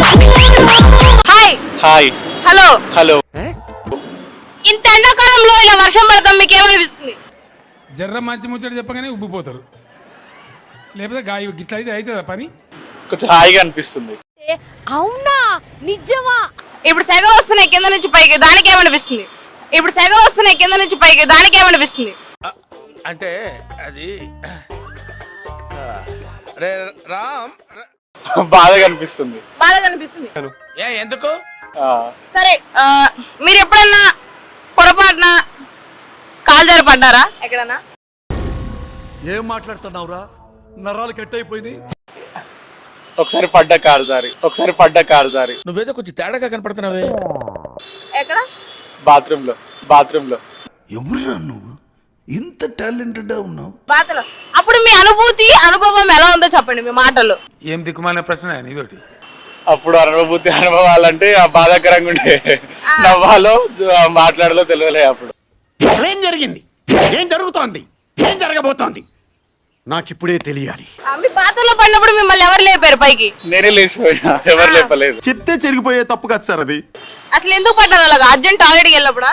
Hi hi hello hello. ఇంత ఎండాకాలంలో ఇలా వర్షం పడతాం మీకు ఏమనిపిస్తుంది? జర్ర మంచి ముచ్చట చెప్పగానే ఉబ్బిపోతారు, లేకపోతే గాయ గిట్ల అయితే అవుతుందా పని? కొంచెం హాయిగా అనిపిస్తుంది. అవునా నిజమా? ఇప్పుడు సెగలు వస్తున్నాయి కింద నుంచి పైకి, దానికి ఏమనిపిస్తుంది? ఇప్పుడు సెగలు వస్తున్నాయి కింద నుంచి పైకి, దానికి ఏమనిపిస్తుంది? అంటే అది రే రామ్ బాధగా అనిపిస్తుంది. బాధగా అనిపిస్తుంది. ఎందుకు సరే మీరు ఎప్పుడన్నా పొరపాటున కాలు జారి పడ్డారా ఎక్కడన్నా? ఏం మాట్లాడుతున్నావురా? నరాలు కట్ అయిపోయినాయి. ఒకసారి పడ్డ కారు జారి నువ్వేదో కొంచెం తేడాగా కనపడుతున్నావే. ఎక్కడ? బాత్రూమ్ లో ఎవరురా నువ్వు? ఇంత టాలెంటెడ్ ఉన్నావు. బాధలో అప్పుడు మీ అనుభవం ఎలా ఉందో చెప్పండి మీ మాటల్లో. ఏం దిక్కుమాలిన ప్రశ్న ఇదొకటి. అప్పుడు అనుభవాలంటే ఆ బాధాకరంగా ఉండే. నవ్వాలో మాట్లాడాలో తెలియలే. అప్పుడు ఏం జరిగింది? ఏం జరుగుతోంది? ఏం జరగబోతోంది? నాకిప్పుడే తెలియాలి. మీ బాధలో పడినప్పుడు మిమ్మల్ని ఎవరు లేపారు పైకి? నేనే లేచిపోయినా, ఎవరు లేపలేదు. చెప్తే చెరిగిపోయే తప్పు కదా సార్ అది. అసలు ఎందుకు పడ్డారు అలాగా? అర్జెంట్ టాయిలెట్కి వెళ్ళినప్పుడా?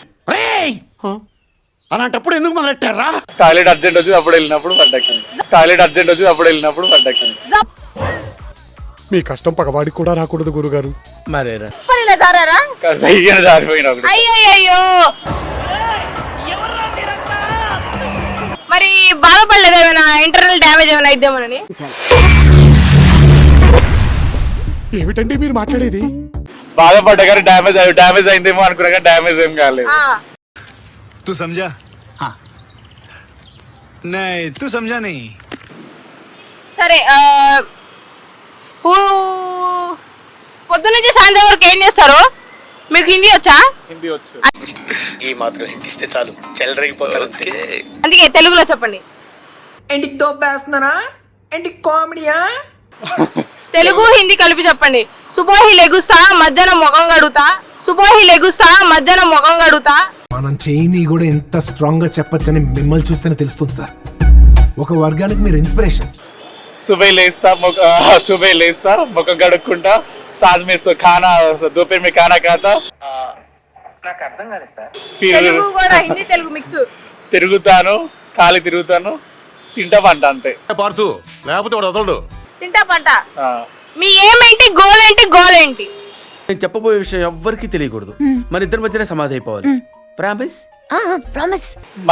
అలాంటప్పుడు ఎందుకు మొదలెట్టారా? టాయిలెట్ అర్జెంట్ వచ్చి అప్పుడు వెళ్ళినప్పుడు పడ్డక్కింది. మీ కష్టం పగవాడికి కూడా రాకూడదు గురుగారు. మరేరా మరి ఇలా జారారా? సైగా జారిపోయినా ఒకటి. అయ్యో మరి బాధపడలేదు ఏమైనా? ఇంటర్నల్ డ్యామేజ్ ఏమైనా అయిద్దామని? ఏమిటండి మీరు మాట్లాడేది? బాధపడ్డా కానీ డ్యామేజ్ అయిందేమో అనుకున్నా కానీ డ్యామేజ్ ఏం కాలేదు. तू समझा? हाँ नहीं तू समझा नहीं. సరే పొద్దు నుంచి సాయంత్రం వరకు ఏం చేస్తారు? మీకు హిందీ వచ్చా? హిందీ వచ్చు. ఈ మాత్రం హిందీ ఇస్తే చాలు చెల్లరగిపోతారు. అందుకే తెలుగులో చెప్పండి. ఏంటి తోపేస్తున్నారా? ఏంటి కామెడీయా? తెలుగు హిందీ కలిపి చెప్పండి. సుబోహి లెగుస్తా మధ్యాహ్నం ముఖం కడుగుతా. మనం చేయని కూడా ఎంత స్ట్రాంగ్ గా చెప్పొచ్చని మిమ్మల్ని చూస్తేనే తెలుస్తుంది సార్. ఒక వర్గానికి మీరు ఇన్స్పిరేషన్. सुबह लेस्ता मुखం కడుక్కుంటా साज में खाना दोपहर में खाना खाता. నాకు అర్థం కాలేదు సార్. తెలుగు కూడా హిందీ తెలుగు మిక్స్. తిరుగుతాను, ఖాళీ తిరుగుతాను, తింటా పంట అంతే. పార్తు లేకపోతే వాడు వదలడు. తింటా పంట. మీ ఏమేంటి? గోల్ ఏంటి? నేను చెప్పబోయే విషయం ఎవ్వరికీ తెలియకూడదు. మన ఇద్దరి మధ్యనే సమాధి అయిపోవాలి. ప్రామిస్? ప్రామిస్.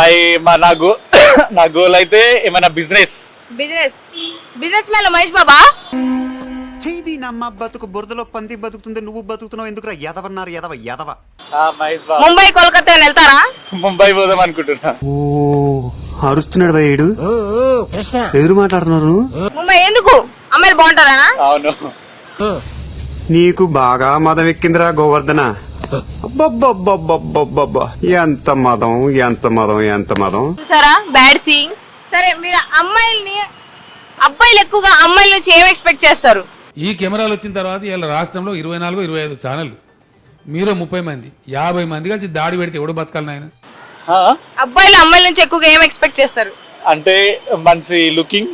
నా గోల్ అయితే ఏమైనా బిజినెస్ మ్యాన్ మహేష్ బాబా. చేది నమ్మ బతుకు బురదలో పంది బతుకుతుంది, నువ్వు బతుకుతున్నావు ఎందుకురా? ఎదవన్నారు ఎదవ. మహేష్ బాబు. ముంబై కోల్కతా వెళ్తారా? ముంబై పోదాం అనుకుంటున్నా. ఓ అరుస్తున్నాడు భయ్యుడు. ఎదురు మాట్లాడుతున్నారు. ముంబై ఎందుకు? అమ్మాయిలు బాగుంటారా? అవును. నీకు బాగా మదం ఎక్కిందిరా గోవర్ధన. అబ్బబ్బబ్బబ్బబ్బబ్బబ్బా ఎంత మదం. చూసారా బ్యాడ్ సీయింగ్. సరే మీరు అబ్బాయిలు ఎక్కువగా అమ్మాయిల నుంచి ఏం ఎక్స్పెక్ట్ చేస్తారు? ఈ కెమెరాలు వచ్చిన తర్వాత ఇలా రాష్ట్రంలో 24-25 ఛానళ్ళు, మీరు 30 మంది 50 మంది కలిసి దాడి పెడితే ఎవడు బతకాలి నాయన? అబ్బాయిలు అమ్మాయిల నుంచి ఎక్కువగా ఏం ఎక్స్పెక్ట్ చేస్తారు? అంటే మంచి లుకింగ్,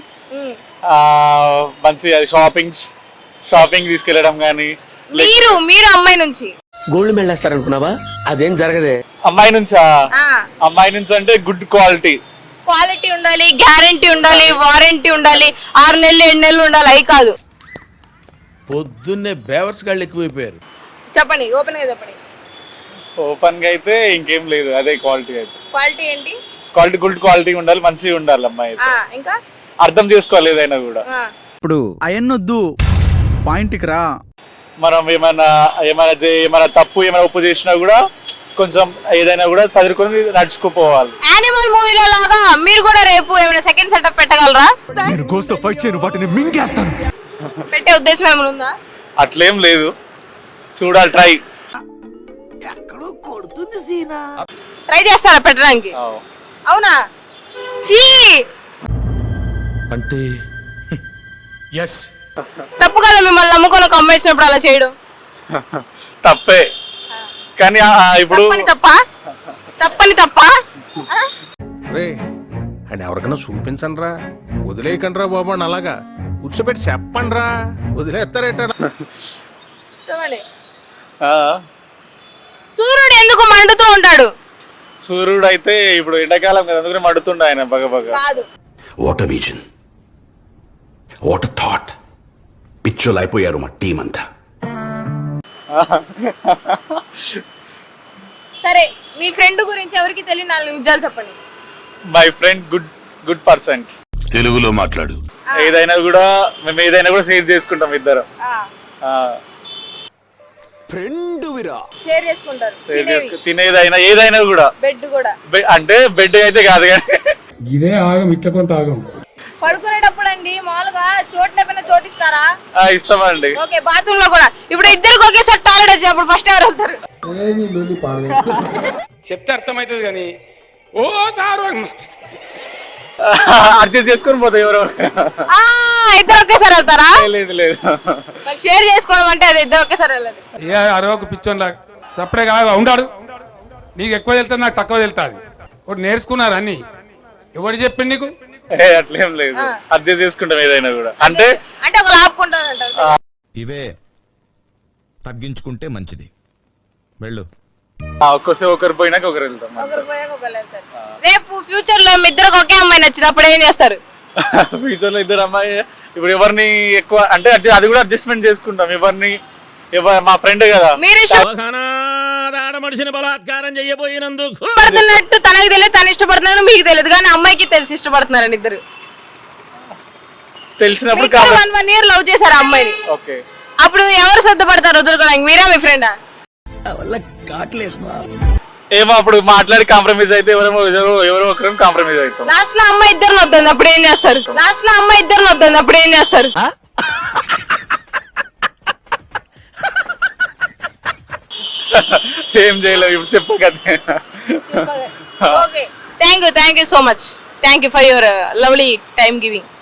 మంచి షాపింగ్ తీసుకెళ్లడం గానీ. మీరు అమ్మాయి నుంచి గోల్డ్ మెడల్ వేస్తారనుకున్నావా? అదేం జరగదే. అమ్మాయి నుంచి అంటే గుడ్ క్వాలిటీ ఉండాలి, గ్యారంటీ ఉండాలి, వారంటీ ఉండాలి, 6 నెలలు 7 నెలలు ఉండాలి. అవి కాదు. పొద్దున్నే బేవర్స్ గాళ్ళు ఎక్కువైపోయారు. చెప్పండి, ఓపెన్ గా అయితే ఇంకేం లేదు. అదే క్వాలిటీ అయితే. క్వాలిటీ ఏంటి? గుడ్ క్వాలిటీ ఉండాలి, మంచిగా ఉండాలి అమ్మాయి. ఇంకా అర్థం చేసుకోవాలి ఏదైనా కూడా. ఇప్పుడు అయన్నొద్దు, పాయింట్కి రా. మనం ఏమైనా తప్పు ఏమైనా ఒప్పు చేసినా కూడా కొంచెం ఏదైనా కూడా చదువుకొని నడుచుకుపోవాలి. యానిమల్ మూవీలో లాగా మీరు కూడా రేపు ఏమైనా సెకండ్ సెటప్ పెట్టగలరా? నేను గోస్తో ఫైట్ చేయను, వాటిని మింగేస్తాను. పెట్టే ఉద్దేశం ఏమైనా ఉందా? అట్లేం లేదు, చూడాలి. ట్రై చేస్తారా పెట్టడానికి? అవునా? చీ అంటే ఎస్ తప్పు కదా మిమ్మల్ని నమ్ముకొని ఒక అమ్మాయి ఇచ్చినప్పుడు అలా చేయడం. తప్పే, కానీ ఇప్పుడు తప్పని తప్ప అని ఎవరికైనా చూపించండి రా, వదిలేయకండి రా బాబు అని అలాగా కూర్చోబెట్టి చెప్పండి రా, వదిలేస్తారేట. చెప్పండి. ఆ, సూర్యుడు ఎందుకు మండుతూ ఉంటాడు? సూర్యుడు అయితే ఇప్పుడు ఎండాకాలం కదా అందుకని మడుతుండ ఆయన బగ కాదు. What vision, what thought. పిచ్చోలు అయిపోయారు మా టీం అంతా. సరే, మీ ఫ్రెండ్ గురించి ఎవరికి తెలియని 4 నిజాలు చెప్పండి. My friend good person. తెలుగులో మాట్లాడు. ఏదైనా కూడా మేము షేర్ చేసుకుంటాం ఇద్దరం. షేర్ చేసుకుంటారు. తినేదైనా ఏదైనా కూడా. బెడ్ కూడా. అంటే బెడ్ అయితే కాదు కానీ ఇదే ఆగం, ఇట్లా కొంత ఆగం. పడుకునేటప్పుడు అండి మామూలుగా చోట్ల చోటిస్తారా? ఇస్తామండి. ఓకే, బాత్రూమ్ లో కూడా. ఇప్పుడు ఇద్దరికి ఒకేసారి టాయిలెట్ వచ్చినప్పుడు ఫస్ట్ ఎవరు వెళ్తారు? చెప్తే అర్థమవుతుంది కానీ ఓ సారు అడ్జస్ట్ చేసుకొని పోతాయి ఎవరో. ఇద్దరు ఒకేసారి వెళ్తారా? లేదు షేర్ చేసుకోవడం అంటే అది ఇద్దరు ఒకేసారి వెళ్ళదు. ఏ అరవకు పిచ్చోన్లా సపరే కాగా ఉండాడు. నీకు ఎక్కువ వెళ్తాది, నాకు తక్కువ వెళ్తాది. ఒకటి నేర్చుకున్నారు అన్ని. ఎవరు చెప్పింది నీకు? అట్లేం లేదు, అడ్జస్ట్ చేసుకుంటాం ఏదైనా కూడా. అంటే ఒకరు ఆపుకుంటారంటారు. ఇవే తగ్గించుకుంటే మంచిది. వెళ్ళు. ఒకరు పోయినాక ఒకరు వెళ్తాం. ఒకరు పోయాక ఒకరు వెళ్తారు. రేపు ఫ్యూచర్ లో మీ ఇద్దరికి ఒకే అమ్మాయి నచ్చినప్పుడు ఏం చేస్తారు? ఫ్యూచర్ లో ఇద్దరు అమ్మాయి ఇప్పుడు ఎవరిని ఎక్కువ అంటే అది కూడా అడ్జస్ట్మెంట్ చేసుకుంటాం. మా ఫ్రెండ్ కదా, మీరు బలాత్కారం చెయ్యబోయినందుకు ఇష్టపడుతున్నట్టు తనకి తెలియదు, తను ఇష్టపడుతున్నాడు మీకు తెలియదు, కానీ అమ్మాయికి తెలిసి ఇష్టపడుతున్నారని ఇద్దరు తెలిసినప్పుడు 1 year లవ్ చేశారు ఆ అమ్మాయిని. ఓకే, అప్పుడు ఎవరు సిద్ధపడతారు వదులుకోవడానికి, మీరా మీ ఫ్రెండా? ఏమో అప్పుడు మాట్లాడి కాంప్రమైజ్ అయితే ఎవరో ఒకరు కాంప్రమైజ్ అవుతాం. లాస్ట్ లో అమ్మాయి ఇద్దరు వద్దంది, అప్పుడు ఏం చేస్తారు? ఏం చేయలేవు ఇప్పుడు చెప్పగదే. Okay, thank you so much. Thank you for your lovely time giving.